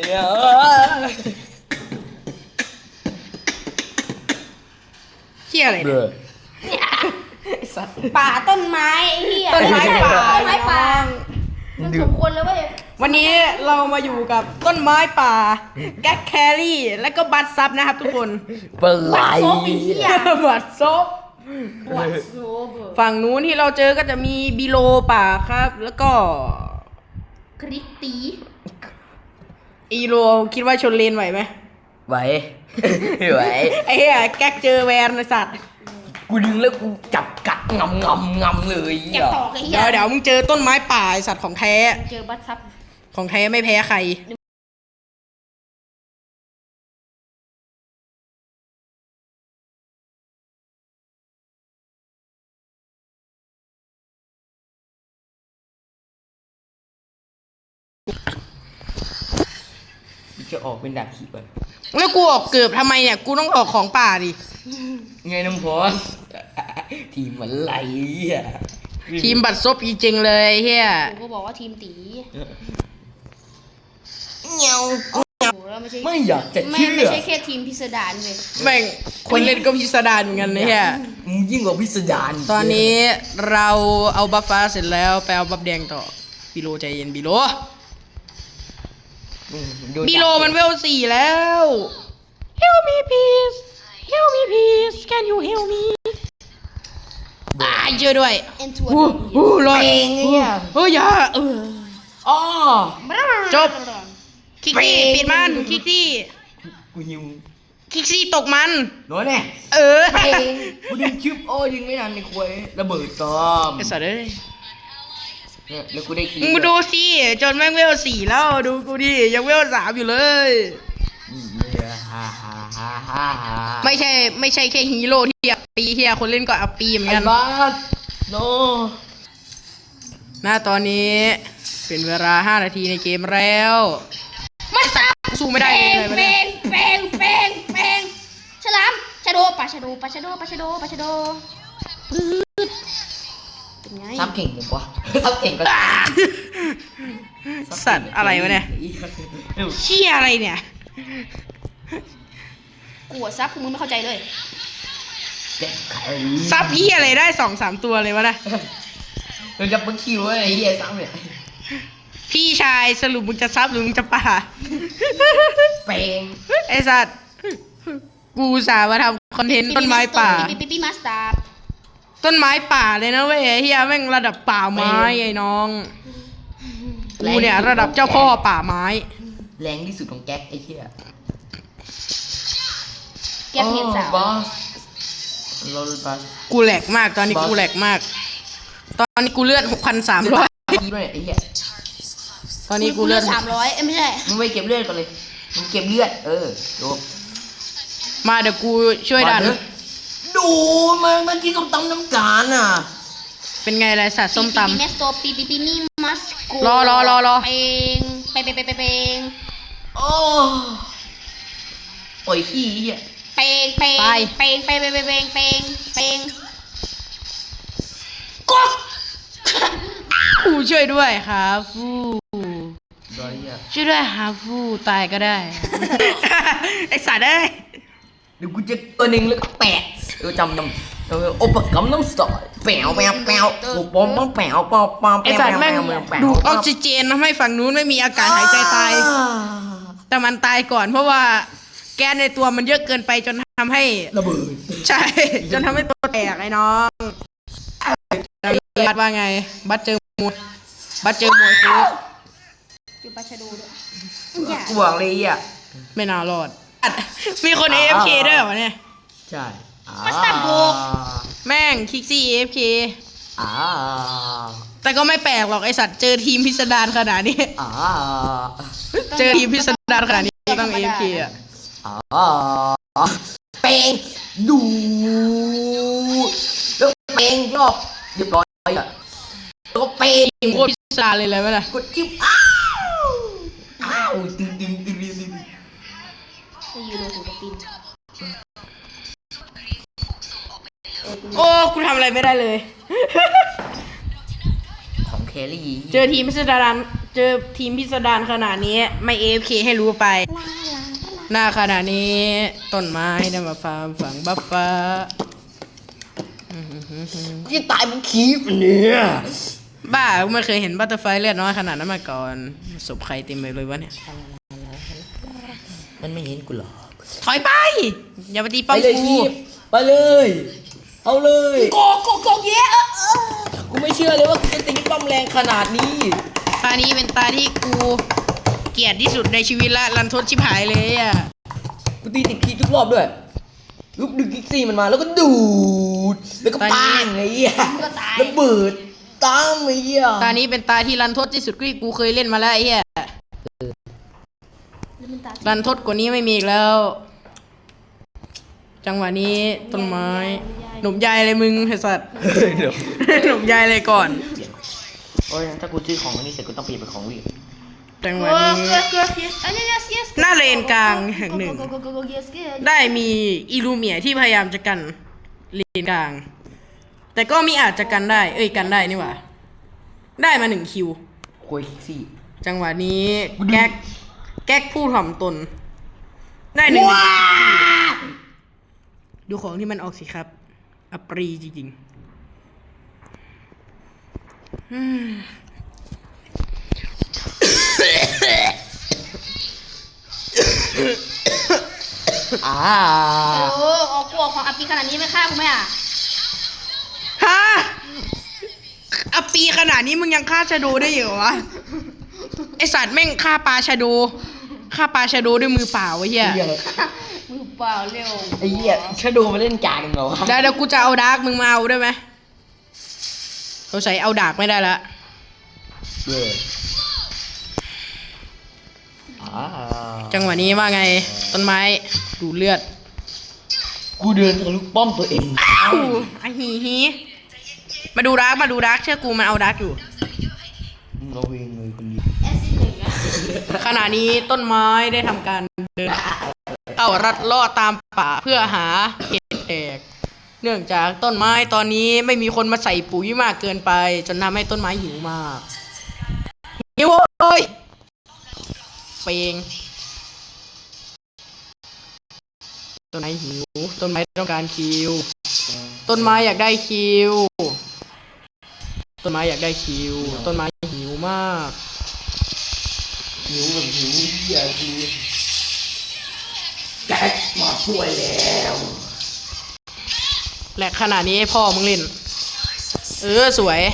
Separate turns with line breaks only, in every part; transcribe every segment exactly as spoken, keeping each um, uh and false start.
เหี้ยอะไรเนี่ยสัตว์
ป่าต้นไม้เหี้ย
ต้นไม้ป่า
ต้นไม้ป่ามันสมควรแล้วเว้ย
วันนี้เรามาอยู่กับต้นไม้ป่าแก๊กแครี่และก็บัตซับนะครับทุกคน
เปิดไหล
บัตซบ
บัตซบ
ฝั่งนู้นที่เราเจอก็จะมีบิโลป่าครับแล้วก็
คริสตี
อีโรคิดว่าชนเลนไหวไหม
ไหวไหว
ไอ้เหี้ยแก๊กเจอแวนไอ้สัตว์
กูดึงแล้วกูจับกัดงำงำงำเลย
เดี๋
ยวเดี๋ยวมึงเจอต้นไม้ป่าไอ้สัตว์ของแท้
เจอบัตซับ
ของแท้ไม่แพ้ใคร
จะออกเป็นดาบขีดไป
แล้วกูออกเกือบทำไมเนี่ยกูต้องออกของป่าดิ
ไงน้ำพอสทีมมันไหลอ่ะ
ทีมบัตรซบจริงๆเลยเฮีย
กูก็บอกว่าทีมตี
เงี้ยวไม่อยากจะ
เชื่อไม่ใช่แค่ทีมพิสดารเลย
แม่งคนเล่นก็พิสดารเหมือนกันนะเฮีย
ยิ่งกว่าพิสดาร
ตอนนี้เราเอาบัฟฟ้าเสร็จแล้วไปเอาบัฟแดงต่อบิโลใจเย็นบิโลบิโลมันเวลสี่แล้ว Help me please Help me please Can you help me อ่าเจอด้วยโอ้โหรอดเนี่ยเฮ้ยอย่าเออ
อ๋อ
จบคิกซี่ปิดมันคิกซี่
กูหิว
คิกซี่ตกมัน
น้อยแน่
เออ
กูดึงชิปโอ้ยิงไม่ทันในควยระเบิดตอม
ไอ้สัตว์เอ้ย
แล้วกูได้คี
มึงดูสิจนแม่งเวลสี่แล้วดูกูดิยังเวลสามอยู่เลยไม่ใช่ไม่ใช่แค่ฮีโร่ที่อัปปีเฮียคนเล่นก็อัปปีเหมือนกัน
บ้าโน
หน้าตอนนี้เป็นเวลาห้านาทีในเกมแล้ว
มาสับ
สู้ไม่ได้เลย
เป้งเป้งเป้งเป้งฉลามชาโดปลาชาโดปลาชาโดปลาชาโดปลาชาโด
ซับเก่งจังวะซับเก่งก็
สัตว์อะไรวะเนี่ยเชี่ยอะไรเนี่ย
กูซับคือมึงไม่เข้าใจเลย
ซับพี่อะไรได้สองสามตัวเลยวะนะ
มึงจะมึงคิวไอ้เหี้ยซับเนี่ย
พี่ชายสรุปมึงจะซับหรือมึงจะป่า
เป่ง
ไอ้สัตว์กูสามาทำคอนเทนต์ต้นไม้ป่า
ปีปีปีมาสตาร์
ต้นไม้ป่าเลยนะเว้ยเฮียแม่งระดับป่าไม้ไอ้น้องกูเนี่ยระดับเจ้าพ่อป่าไม้
แรงที่สุดของแก๊กไอ้เหี้ย
แก๊กเห็ดสาว
กูแหลกมากตอนนี้กูแหลกมากตอนนี้กูเลือดหกพันสามร้อยตอนนี้กูเลือด
สามร้อยไม่ใช่
มึงไปเก็บเลือดก่อนเลยมึงเก็บเลือดเออจบ
มาเดี๋ยวกูช่วยดัน
ดูมันมันที่ส้มตำน้ำจานอ่ะ
เป็นไงไรสัตว์ส้มตำ
ปีเมสโตปีปีปีนี่มัสกู
รอรอรอรอ
เปงเปงเปงเปงเปง
โอ้โอ้ยขี้อ่ะ
เปงเปงเปงเปงเปงเปงเปงเปงเปง
ก๊อกกูช่วยด้วยครับฟูช่วยด้วยครับฟูตายก็ได้ไอสัตว์เอ้ย
เดี๋ยวกูจะตัวหนึ่งแล้วก็แปะเออจำนำเออโอปกัมน้ำสตอร์แปวแปวแปวกูปอมต้องแปวปอมปอม
ไอสัตว์แม่งดูออกซิเจนทำให้ฝั่งนู้นไม่มีอากาศหายใจตายแต่มันตายก่อนเพราะว่าแก๊สในตัวมันเยอะเกินไปจนทำให้
ระเบิด
ใช่จนทำให้ตัวแตกไอ้น้องบัตว่าไงบัตเจอมวยบัตเจอมวยคือ
จูปาชาดูด้วย
กูบอกเลยอ่ะ
ไม่น่ารอดมีคน เอ เอฟ เค ด้วยเหรอเนี่ย
ใช่
มาสตาร์โบ
แม่งคิกซี่ เอ เอฟ เค แต่ก็ไม่แปลกหรอกไอสัตว์เจอทีมพิสดารขนาดนี้เจอทีมพิสดารขนาดนี้ต้อง เอ เอฟ เค อ่ะ
เป่งดูแล้วเป่งรอบเรียบร้อยอ่ะแล้วเป่ง
โคตรพิสดารเลยเลยไหมล่ะ
กดจิ้มอ้าวอ้าวดึงดึงดึงดึงดึง
ยูโรถูกปิน
โอ้กูทำอะไรไม่ได้เลย
ของแครี่
เจอทีมพิสดารเจอทีมพิสดารขนาดนี้ไม่ เอ เอฟ เค ให้รู้ไป หน้าขนาดนี้ต้นไม้ได้มาฟาร์มฝังบัฟฟ้า
ที่ตายมันคีบเนี่ย
บ้ากูไม่เคยเห็นบัตเตอร์ไฟเลือดน้อยขนาดนั้นมาก่อนศพใครเต็มไปเลยวะเนี่ย
มันไม่เห็นกูหรอก
ถอยไป อย่าไปตี
ไป
ป้อม
เลย
กู
คีบไปเลย เอาเลย
โกโกโกเยอะเออ
กูไม่เชื่อเลยว่ากูจะตีป้อมแรงขนาดนี้
ตานี้เป็นตาที่กูเกลียดที่สุดในชีวิตละรันทดชิบหายเลยอ่ะ
กูตีติดคีบทุกรอบด้วยลูกดึงกิกซี่มันมาแล้วก็ดูดแล้วก็ปังไอ้เหี้ย
ก็ตาย
ระเบิดตามไอ้เหี้ย
ตานี้เป็นตาที่รันทดที่สุดที่กูเคยเล่นมาแล้วไอ้เหี้ยรันทดกว่านี้ไม่มีอีกแล้ว จังหวะนี้ต้นไม้หนุ่มใหญ่เลยมึงไอ้สัตว์
เดี๋ยว
หนุ่มใหญ่เลยก่อน
โอ้ยถ้ากูซื้อของอันนี้เสร็จกูต้องเปลี่ยนเป็นของวิ่ง
จังห
เก
วะ
ลือ
นี้
เกลือเกลือ yes อ่ะ yes yes
หน้าเลนกลางแห่งหนึ่ง
โกโกโกโก yes yes
ได้มีอิลูเมียที่พยายามจะกันเลนกลาง แต่ก็มีอาจจะกันได้ เอ้ยกันได้นี่หว่า ได้มาหนึ่งคิว
คุยกิกซี่
จังหวะนี้แก๊กแก๊กผู้ถ่อมตน ได้หนึ่งดูของที่มันออกสิครับ อัปรีจริงๆอืม
อ่า
โอ้ออกกลัวของอภิขนาดนี้ไม่ฆ่ากูไหมอ่ะ
ฮะอัปปีขนาดนี้มึงยังฆ่าชาโดได้อยู่เหรอวะ ไอสัตว์แม่งฆ่าปลาชาโดฆ่าปลาชาโดด้วยมือเปล่าไอ้เหี้ย
เหี้ย
มือเปล่าเร็ว
ไอ้เหี้ยชาโดมาเล่นกลางเหรอวะ
เดี๋ยวเดี๋ยวกูจะเอาดาร์กมึงมาเอาได้ไหมเราใส่เอาดาร์กไม่ได้ละ
เย้อ่า
จังหวะนี้ว่าไงต้นไม้ดูดเลือด
กูเดินทะลุป้อมตัวเอง
อ้าวไอหีฮีมาดูดาร์กมาดูดาร์กเชื่อกูมันเอาดาร์กอยู่
มึงระเวงเลยคนเดียว
แอสซิดหนึ่งอ่ะ
ขณะนี้ต้นไม้ได้ทำการเดินเข้ารัดเลาะตามป่าเพื่อหาเห็ดแตกเนื่องจากต้นไม้ตอนนี้ไม่มีคนมาใส่ปุ๋ยมากเกินไป จนทำให้ต้นไม้หิวมากหิวโอ้ยเปงต้นไม้หิวต้นไม้ต้องการคิว ต้นไม้อยากได้คิว ต้นไม้อยากได้คิว ต้นไม้หิวมาก
หิวแบบหิวเหี้ยคือแก๊กมาช่วยแล้ว
และขณะนี้ให้พ่อมึงเล่น เออสวย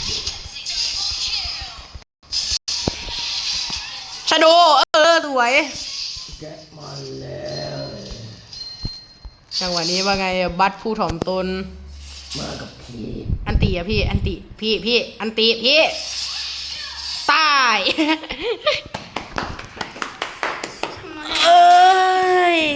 ชาโดเออสวย
แก๊กมาแล้ว
จังหวะนี้ว่าไงบัตผู้ถ่อมตน
มากับพี่
อันติอะพี่ อันติพี่พี่อันติพี่ตาย เอ้ย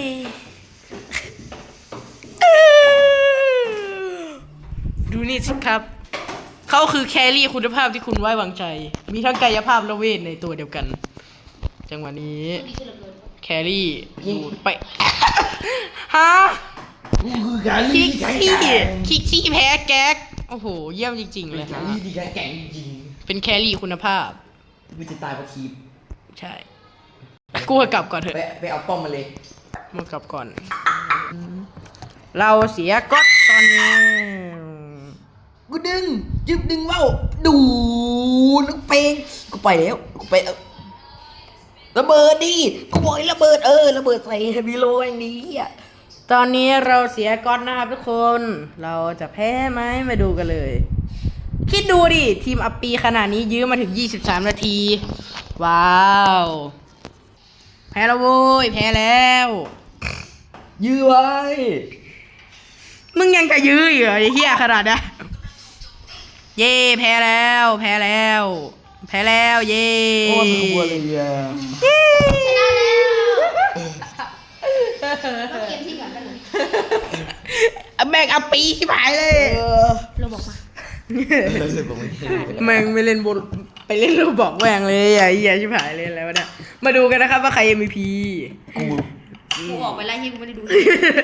ดูนี่สิครับ เขาคือแครี่คุณภาพที่คุณไว้วางใจ มีทั้งกายภาพและเวทในตัวเดียวกัน จังหวะนี้ แครี่ดูดไป ฮะ
กูคือการ
คิ
ลี่
ก
ที่แข็ง
ซี่
แกร่ง
คิกซี่แพ้แก๊ก โอ้โห เยี่ยมจริง ๆ เลย
กา
ฮะ
รลี่ที่แข็งแกร่งจริง
เป็นแครี่คุณภาพ
ๆกูจะตายเพราะคีบ
ใช่ กูกลับก่อนเถอะ
ไปไปเอาป้อมมาเลย
มึงกลับก่อน เราเสียก๊อตตอนนี้
กูดึงจึบดึงว่าวดูลูกเพลงกูไปแล้วกูไปแล้วระเบิดดิกูบอกให้ระเบิดเออระเบิดใส่วีโลอย่างนี้อ่ะ
ตอนนี้เราเสียก๊อตนะครับทุกคน เราจะแพ้ไหมมาดูกันเลย คิดดูดิ ทีมอัปปีขนาดนี้ยื้อมาถึงยี่สิบสามนาที ว้าว แพ้แล้วโว้ย แพ้แล้ว
ยื้อไว้
มึงยังจะยื้ออีกเหรอไอ้เหี้ยขนาดนั้นเย่แพ้แล้ว แพ้แล้ว แพ้แล้ว เย่
โอ้ยมันกลัวเลยอ่ะ
ชนะแล้วเกมที่ก่อนกันเลย
แม่งอัปปีชิบหายเลย
เออ
เราบอกมา
เลยบอกไม่ได้
แม่งไม่เล่นบนไปเล่นโรบอกแหวงเลยไอ้เหี้ยชิบหายเลยอะไรวะเนี่ยมาดูกันนะครับว่าใคร เอ็ม วี พี
กู
กูออกไปไล่ที่กูไม่ได้ดู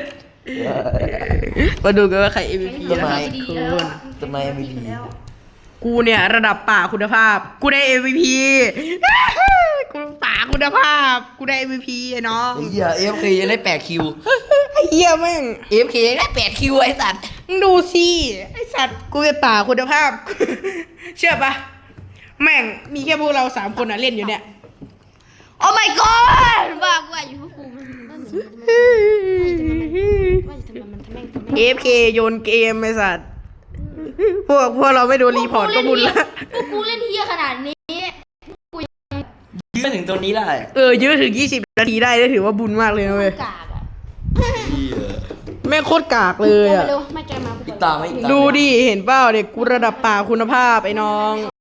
มาดูกันว่าใคร เอ็ม วี พี
ต้น
นะ
ไม้
ครับทุกคน
ต้นไม้ไม่ดี
กูเนี่ยระดับป่าคุณภาพ กูได้ เอ็ม วี พี กูป่าคุณภาพ กูได้ เอ็ม วี พี ไอ้น้อง
ไอ้เหี้ยเอฟเคยังได้แปดคิว
ไอ้เหี้ยแม่ง
เอฟเคยังได้แปดคิวไอ้สัตว์
มึงดูสิไอ้สัตว์กูเป็นป่าคุณภาพ เชื่อปะแม่งมีแค่พวกเราสามคนอะเล่นอยู่เนี่ย
โอ้ my god ว่ากูว่าอยู่พวกกูมันมันว่าจะทำมันทำแม่งทำแม่ง
เอฟเคโยนเกมไอ้สัตว์พวกพวกเราไม่โดนรีพอร์ตก็บุญละ
พวกกูเล่นเฮียขนาดนี้
ยืนถึงตัวนี้ได้
เออยื้อถึงยี่สิบนาทีได้ถือว่าบุญมากเลยนะเว้ย
กากอ่ะ
เหี้ย
แม่งโคตรกากเลยอะ
เร็วไม่แกมากู
อีกตาไหมอีกตาไหม
ดูดิเห็นเปล่าเด็กกูระดับป่าคุณภาพไอ้น้อง